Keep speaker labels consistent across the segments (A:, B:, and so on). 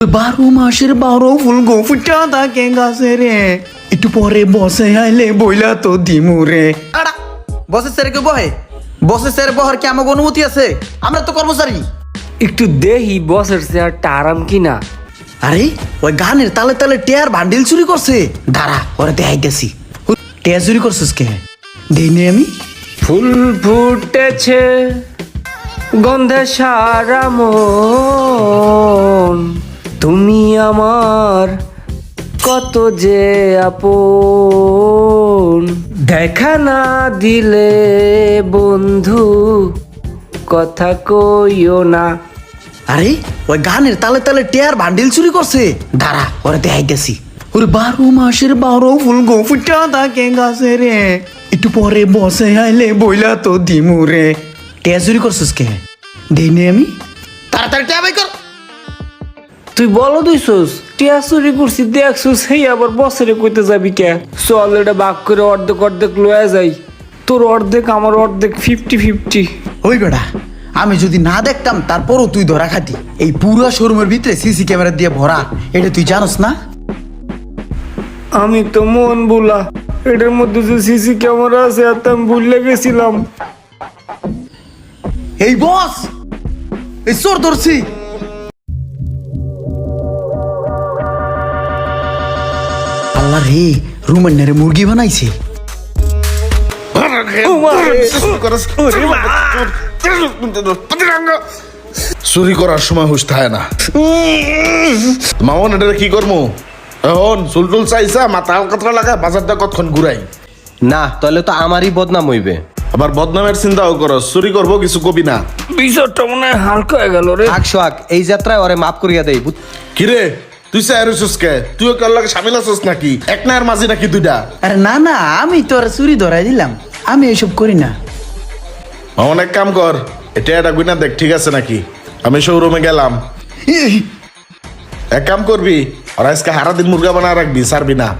A: 12 মাসের 12 ফুল গো ফুটা থাকে গাছে রে, একটু পরে বসে আইলে বইলা তো দিমু রে। আড়া বসের স্যার কে বহে, বসের স্যার বহার কি আমার অনুমতি আছে? আমরা তো কর্মচারী।
B: একটু দেহি বসের চেয়ারটা আরাম কিনা।
A: আরে ওই গানের তালে তালে টেয়ার বান্ডিল চুরি করছে। দাঁড়া ওরা দেখাইতেছি। টেয়ার চুরি করছিস কে? দেইনি আমি।
B: ফুল ফুটেছে গন্ধে সারা মন, তুমি আমার কত যে আপন, দেখা না দিলে বন্ধু কথা কইও না।
A: আরে ওই গানের তালে তালে টেয়ার বান্ডিল চুরি করছে। দাঁড়া ওরা দেখাইতেছি। 12 মাসের 12 ফুল গো ফুটা থাকে গাছে রে, একটু পরে বসে আইলে বইলা তো দিমু রে। টেয়ার চুরি করছিস কে? দেইনি আমি। তাড়াতাড়ি টেয়া বাই কর।
B: তুই বলো দুইছস টিয়া চুরি করছি দেখছস, সেই আবার বছরে কইতে যাবি কে? চল এটা ভাগ করে অর্ধেক অর্ধেক লয়ে যাই, তোর অর্ধেক আমার অর্ধেক 50-50।
A: ওই বেটা আমি যদি না দেখতাম তারপরও তুই ধরা খাতি। এই পুরো শোরুমের ভিতরে সিসি ক্যামেরা দিয়ে ভরা, এটা তুই জানোস না?
B: আমি তো মন বুলা, এটার মধ্যে যে সিসি ক্যামেরা আছে আর আমি ভুলে গেছিলাম।
A: এই বস, এই চোর ধরছি। আল্লাহ রে, রুমের নারে মুরগি বানাইছে।
C: চুরি করার সময় হুশ থাকে না। মামন এটা কি করবো এখন? চুলটুল চাইছা মাথা হালকা লাগা বাজারটা কতক্ষণ ঘুরাই
D: না, তাহলে তো আমারই বদনাম হইবে।
C: আবার বদনামের চিন্তাও করো, চুরি করবো কিছু কবি না।
B: বিষয়টা মনে হয় হালকা হয়ে গেল রে।
D: সোহাগ এই যাত্রায় ওরে মাফ করিয়া দেই।
C: কিরে তুই চাইছিস কে? তুইও কার লাগে সামিল আছিস নাকি? এক নায়ের মাঝি নাকি দুইটা?
A: আরে না না, আমি তো আর চুরি ধরাই দিলাম, আমি এসব করি না।
C: মামন এক কাম কর, এটা একটা গুইনা দেখ ঠিক আছে নাকি। আমি শোরুমে গেলাম, এক কাম করবি আর আজকে হারা দিন মুরগা বানা রাখবি, ছাড়বি না।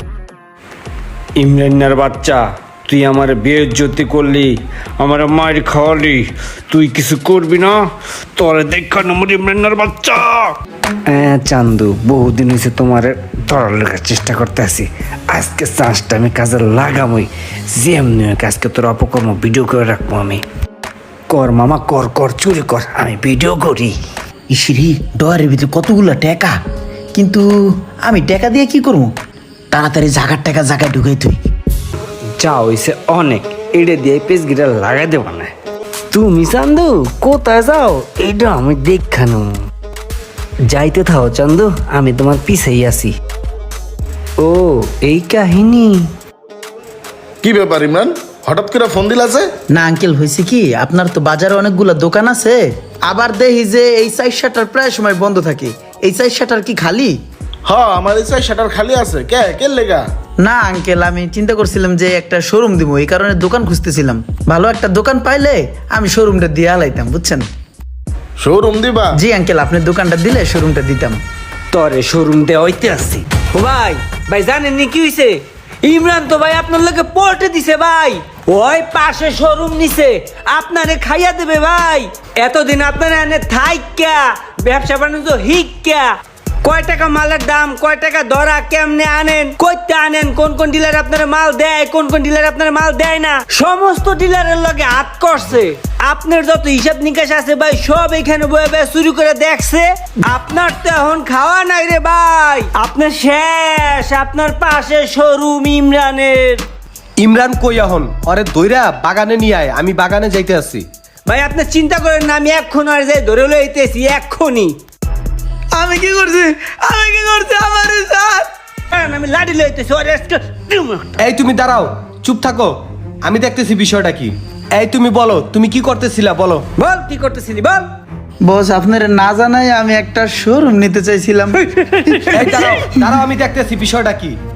B: ইমরানের বাচ্চা, তুই আমার বেইজ্জতি করলি, আমার মায়ের খাওয়ালি, তুই কিছু করবি না, তোরে দেখা নম্বর ইমরানের বাচ্চা। চান্দু, বহুদিন হয়েছে তোমার ধরার লেখার চেষ্টা করতে আছি, আজকে চান্সটা আমি কাজে লাগামই। যেমনি হোক আজকে তোর অপকর্ম ভিডিও করে রাখবো আমি। কর মামা কর, কর চুরি কর, আমি ভিডিও করি।
A: ইসিরি ডয়ারের ভিতরে কতগুলা টাকা, কিন্তু আমি টাকা দিয়ে কি করবো? তাড়াতাড়ি জাগার টাকা জায়গায় ঢুকাই তুই।
B: যা হইছে অনেক, এটা দিয়ে পেজ গিটা লাগাই দেব না। তুমি চান্দু কোথায় যাও এটা আমি দেখানো। যাইতে থাও চান্দু, আমি তোমার পিছেই আছি। ও এই কাহিনী।
C: কি ব্যাপার ইমরান, হঠাৎ করে ফোন দিলা যে?
A: না আঙ্কেল, হয়েছে কি, আপনার তো বাজারে অনেকগুলো দোকান আছে, আবার দেখি যে এই সাইড শাটার প্রায় সময় বন্ধ থাকে। এই সাইড শাটার কি খালি?
C: হ্যাঁ আমার ইচ্ছা শাটার খালি আছে। কে কে লেগা?
A: না আঙ্কেল, আমি চিন্তা করছিলাম যে একটা শোরুম দিব, এই কারণে দোকান খুঁজতেছিলাম। ভালো একটা দোকান পাইলে আমি শোরুমটা দিয়ে আলাইতাম, বুঝছেন?
C: শোরুম দিবা?
A: জি আঙ্কেল, আপনি দোকানটা দিলে শোরুমটা দিতাম।
B: তরে শোরুম দেওয়া হইতে আসছি। ও ভাই, ভাই জানেননি কি হয়েছে? ইমরান তো ভাই আপনার লোকে পল্টে দিছে ভাই, ওই পাশে শোরুম নিছে, আপনারে খাইয়া দেবে ভাই। এতদিন আপনারা এনে থাইকা ব্যবসা বাণিজ্য হিক্কা, কয় টাকা মালের দাম, কয় টাকা ধরা, কেমনে আনেন, কইতে আনেন, কোন কোন ডিলার আপনার মাল দেয়, কোন কোন ডিলার আপনার মাল দেয় না, সমস্ত ডিলারের লগে হাত করছে। আপনার যত হিসাব নিকাশ আছে ভাই সব এখানে বয়ে বয়ে চুরি করে দেখছে। আপনার তো এখন খাওয়া নাই রে ভাই, আপনার শেষ। আপনার পাশে শোরুম ইমরানের।
D: ইমরান কই এখন? ওরে দইরা বাগানে নিয়ে আয়, আমি বাগানে যাইতে আছি।
B: ভাই আপনি চিন্তা করেন না, আমি এক্ষণ আর যাই ধরে লইতেছি এক্ষুনি।
A: আমি কি করছি, আমি কি করছি? আমার স্যার,
B: আমি লাঠি লইতেছি।
D: এই তুমি দাঁড়াও, চুপ থাকো, আমি দেখতেছি বিষয়টা কি। এই তুমি বলো, তুমি কি করতেছিলা বলো।
B: বল কি করতেছিলি বল।
A: বস আপনার না জানাই আমি একটা শোরুম নিতে চাইছিলাম।
D: এই দাঁড়াও দাঁড়াও, আমি দেখতেছি বিষয়টা কি।